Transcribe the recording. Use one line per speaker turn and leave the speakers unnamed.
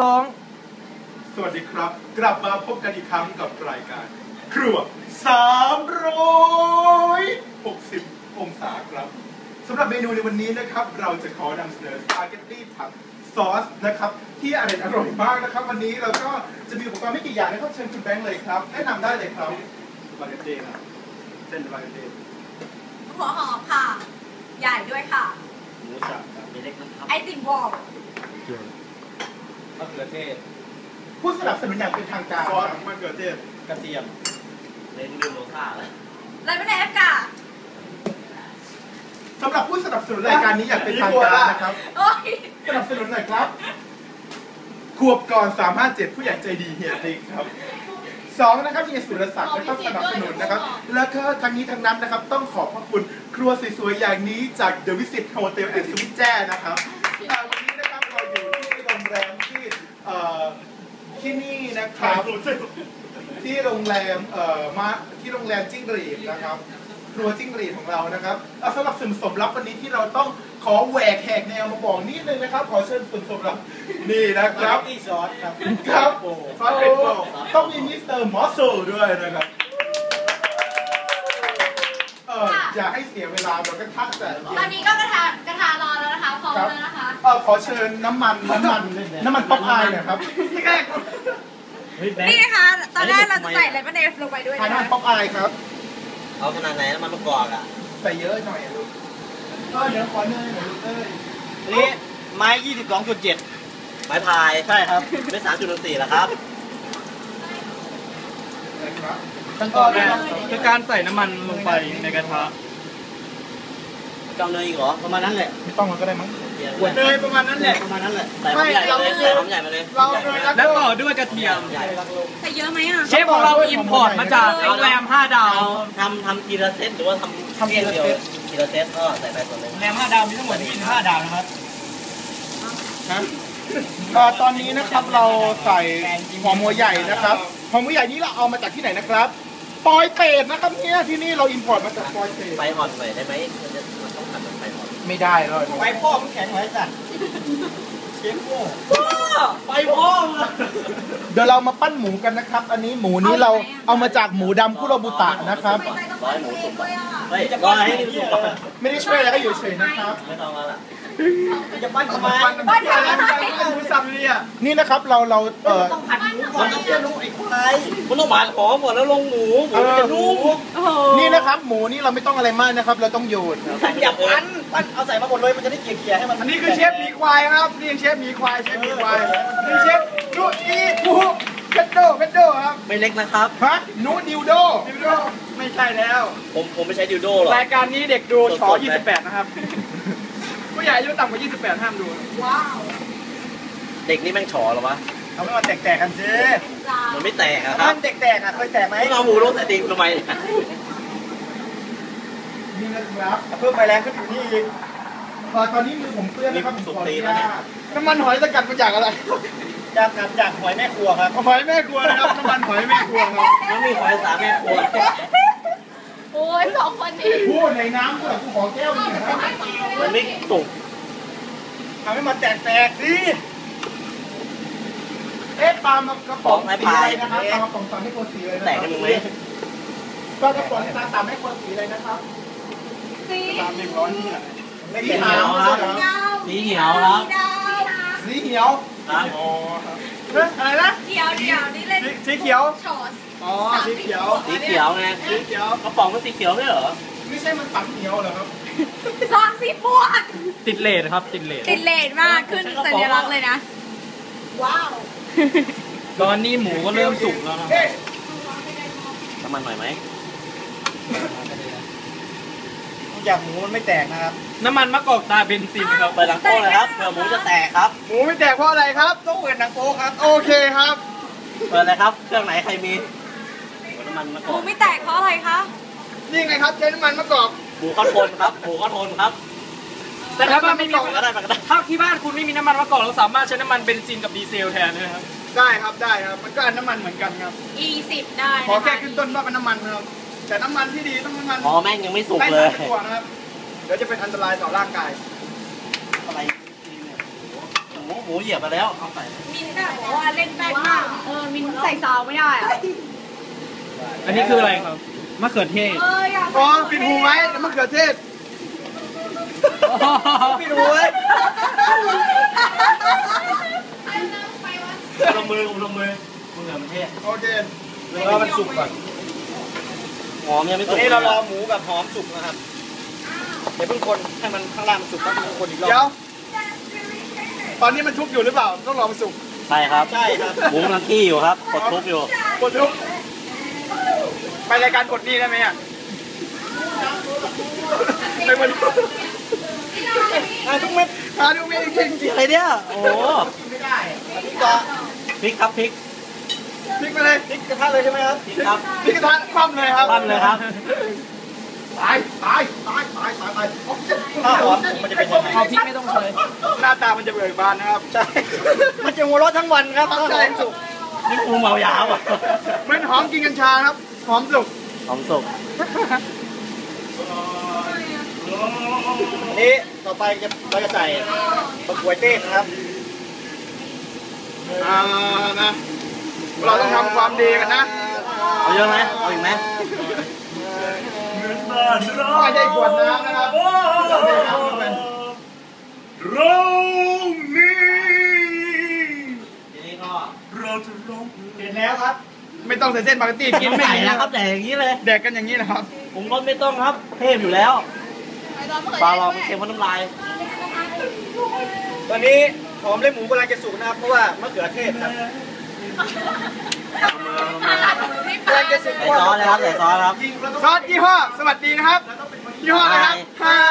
2
สวัสดีครับกลับมาพบกันอีกครั้งกับรายการครัว360 องศาครับสำหรับเมนูในวันนี้นะครับเราจะขอนำเสนอสปาเกตตี้ผัดซอสนะครับที่อร่อยมากนะครับวันนี้เราก็จะมีอุปกรณ์ไม่กี่อย่างนะครับเชิญคุณแบงค์เลยครับแนะนำได้เลยครับสปาเกตตี้ครับเส้นสปาเกตตี้
หัวหอมค่ะใหญ่ด้วยค่ะ
หมูสับกับเล็กนะครับ
ไอติมวอล
มะเขือเทศ
ผู้สนับสนุนอย่างเป็นทางการ
ซอสมะเขือเทศ
กระเทียมเล้งลืมโลค่าแล้ว
อะไรไม่ได้เอฟกะ
สำหรับผู้สนับสนุนรายการนี้อย่างเป็นทางการนะครับสนับสนุนหน่อยครับขวบก่อน357ผู้ใหญ่ใจดีเฮียติ๊กครับ2นะครับเฮียสุรศักดิ์นะครับสนับสนุนนะครับแล้วก็ทั้งนี้ทั้งนั้นนะครับต้องขอบพระคุณครัวสวยๆอย่างนี้จาก The Visit Hotel and Suite แจ้นะครับวันนี้นะครับเราอยู่ที่โรงแรมที่นี่นะครับที่โรงแรมที่โรงแรมจิ้งหรีดนะครับครัวจิ้งหรีดของเรานะครับสำหรับส่วนผสมลับวันนี้ที่เราต้องขอแหวกแหกแนวมาบอกนิดนึงนะครับขอเชิญส่วนผสมลับนี่นะครับ
ที่ซอสครับ
ครับซอสเป็นโปต้องมีมิสเตอร์มอสโซด้วยนะครับอย่าให้เสียเวลาเราก็ทักแต่
ตอนนี้ก็กระทะร้อนแล้วนะคะพร้อมแล้วนะคะ
ขอเชิญน้ำมันป๊อปอายหน่อยครับ
นี่นะคะตอนแรกเราจะใส่เลมอนเอฟลงไปด้วยนะ
น้ำมันป๊อปอายครับ
เอาขนาดไหนน้ำมันมะกอกอ่ะ
ใส่เยอะหน่อยลูกเดี๋ยวขอเนยหน่อยลูก
นี่ไม้ 22.7 ไม้พายใช่ครับไม่ 3.4 แล้วครับ
ขั้นตอนแรกคือการใส่น้ำมันลงไปในกระทะ
จ้องเนยอีกเหรอประมาณนั้นแหละ
ไม่ต้องมันก็ได้มั้ง
เนยประมาณนั้นแหละ
ใส่หอมใหญ่เลยใส่หอมใหญ่มาเลย
แล้วต่อด้วยกระเทียม
ใส่เยอะไหมอ่ะ
เชฟของเราอิมพอร์ตมาจากโรงแรม5 ดาว
ทำทีละเซตหรือว่าทำเดียวทีละเซตก็ใส่ไปส่วนหนึ่ง
โรงแรม5 ดาวมีทั้งหมด25 ดาวนะครับ
ตอนนี้นะครับเราใส่หอมหัวใหญ่นะครับหอมหัวใหญ่นี้เราเอามาจากที่ไหนนะครับปอยเปตนะครับเนี่ยที่นี่เราอิมพอร์ตมาจากปอยเปต
ไฟอ่อนหน่อยได้ไหมมันต้องทำแบบไฟอ่อน
ไม่ได้เลย
ไฟพ่อมันแข็งไว้จัดเชฟโม่ไฟพ่อ
เดี๋ยวเรามาปั้นหมูกันนะครับอันนี้หมูนี้เราเอามาจากหมูดำคุโรบุตะนะครับ
ร้อยหมูสุกเฮ้ยร้อยให้หมูสุก
ไม่ได้ช่วยอะไรก็อยู่เฉยนะครับ
ไม่ต้องแล้วล่ะจะปั้นทำไม
ปั้นอะไร
หมูสับเนี่ย
นี่นะครับเรา
ต้องผัดหมูก่อนต้องเคี่ยวนุ่มไอ้ควายมันต้องหมักหอมก่อนแล้วลงหมูจะนุ่ม
นี่นะครับหมูนี่เราไม่ต้องอะไรมากนะครับเราต้องโยน
อย่าปั้นเอาใส่มาหมดเลยมันจะได้เกลี่ยให้มัน
อันนี้คือเชฟหมีควายครับนี่เชฟหมีควายนี่เชฟดูอีปูเพชโดครับ
ไม่เล็กนะครับ
ฮะนูดิวโด
ไม่ใช่แล้ว
ผมไม่ใช้ดิวโดหรอก
รายการนี้เด็กดูช28นะครับผู้ใหญ่อายุต่ำกว่า28ห้ามดู
ว้าว
เด็กนี่แม่งฉอหรอวะ
เอาไม่มาแตกกันสิ
มันไม่แตกอะครับ
มันแตกอะเคยแตกไหม
เอาหมูลงใส่ตีนทำไม
นี่นะครับ
เพิ่มไฟแรงขึ้นอยู่นี่อีก
ตอนนี้มือผมเปื้อนนะครับ
สุกตีแล้วเนี่ย
น้ำมันหอยสกัดมาจากอะไร
จากหอยแม่ครัวครับ
หอยแม่ครัวนะครับน้ำมันหอยแม่ครัวครับ
น้ำมีหอยสาแม่ครัว
โอ้ย2 คนนี้
พูดในน้ำด้วยกูขอแก้วนึงครับ
มันไม่สุก
ทำให้มันแตกสิ
ปลากระป๋องสีอะไรนะครับปลากระป๋อง3ไม่ควรสีเลยนะ
แตกกันไหม
ปลากระป๋อง3ไม่ควรสีเลยนะครับ
สี
300นี่แหละ
สีเขียว
ครับสีเขียวครับ
สีเขียว
ครับ
อ๋ออะไรนะ
เขียวนี่เล่น
สีเขียว
อ๋อ
สีเขียว
ไงสีเขียวกระป๋องมันสีเขียวไม่เหรอ
ไม่ใช่มันสังเขียวเหรอครับ
ซองสีม่วง
ติดเลทครับติดเลท
มากขึ้นสัญลักษณ์เลยนะว้าว
ตอนนี้หมูก็เริ่มสุกแล้วนะ
น้ำมันหน่อยไหม
อยากหมูมันไม่แตกนะครับน้ำมันมะกอกตาเบนซินครับ
เปิดหนังโป๊เลยครับเผื่อหมูจะแตกครับ
หมูไม่แตกเพราะอะไรครับต้องเปิดหนังโป๊ครับโอเคครับ
เปิดเลยครับเครื่องไหนใครมีน้ำมันมะกอก
หมูไม่แตกเพราะอะไรคะ
นี่ไงครับใช้น้ำมันมะกอก
หมูก็ทนครับหมูก็ทนครับ
แต่ถ้าไม่มีถ้าที่บ้านคุณไม่มีน้ำมันมะกอกเราสามารถใช้น้ำมันเบนซินกับดีเซลแทนนะครับได้ครับมันก็อันน้ำมันเหมือนกันครับ
E10 ได้
ขอแค่ขึ้นต้นว่าเป็นน้ำมันครับแต่น้ำมันที่ดีต้องน้ำมัน
แม่งยังไม่สุกเลย
นะครับเดี๋ยวจะเป็นอันตรายต่อร่างกาย
อะไรหมูเหยียบมาแล้วเอาใส่
มินท์ว่าเล่นแป้งมากมินใส่ซาวไม่ได้อะ
อันนี้คืออะไรครับมะเขือเทศ
อยาก
อ๋อปิดหูไว้มะเขือเทศ
พี่ดูเว้ยลงมือลงมือมะเขือเทศ
โอเครอมันสุกก่อน
หอมยังไม่สุกตอนนี้เรารอหมูกับหอมสุกนะครับเดี๋ยวเพิ่งคนให้มันข้างล่างมันสุกแล้วเพิ่งคนอีกรอบ
เดี๋ยวตอนนี้มันชุบอยู่หรือเปล่าต้องรอมันสุก
ใช่ครับใช่ครับหมูกำลังกี้อยู่ครับกดทุบอยู่
กดชุบไปรายการกดนี่ได้ไหมอ่ะไปวันนี้
ทุกเม็ด
หาดูเมจริงจริง
อะไรเนี่ยโอ้โหพริกครับพริก
พลิกไปเลย
พริกกระทะเลยใช่ไหมครับพริกครับ
พลิกกระทะคว่ำเลยครับ
ปั้นเลยครับ
ตาย
ถ้าหอมมันจะเป็นยังไง
เอาพริกไม่ต้องเลย
หน้าตามันจะเบิกบานนะครับ
ใช่มันจะหัวเราะทั้งวันครับถ้าหอมสุกนี่ปูเมายาวอ่ะ
เหมือนหอมกินกัญชาครับหอมสุก
หอมสุกนี่ต่อไปเราจะใส่มะกรูดเต้นนะครับ
นะเราต้องทำความดีกันนะ
เอาเยอะไหมเอาอีกไหม
ไม่ใช่ขวดน้ำนะครับเราได้น้ำลงไป
เรานี้
ทีนี้ก็
เราจะร้อง
เสร็จแล้วครับ ไม่ต้องใส่เส้นปาเกตตี้กินไม่
ใส่
ดี
แล้
นะ
ว
ค
ค
รั
รั
บบ
แต่อย่างนี้เลย
แดกกันอย่างนี้นะครับ
ผมรสไม่ต้องครับเทพอยู่แล้วปลาลองมันเค็มมันน้ำลาย ตอนนี้หอมและหมูกำลังจะสุกนะครับเพราะว่ามะเขือเทศครับกำลังจะสุก
ใส่ซอสนะครับ
ใส่ซอสครับ
ซอสยี่ห้อสวัสดีนะครับยี่ห้ออะไรครับ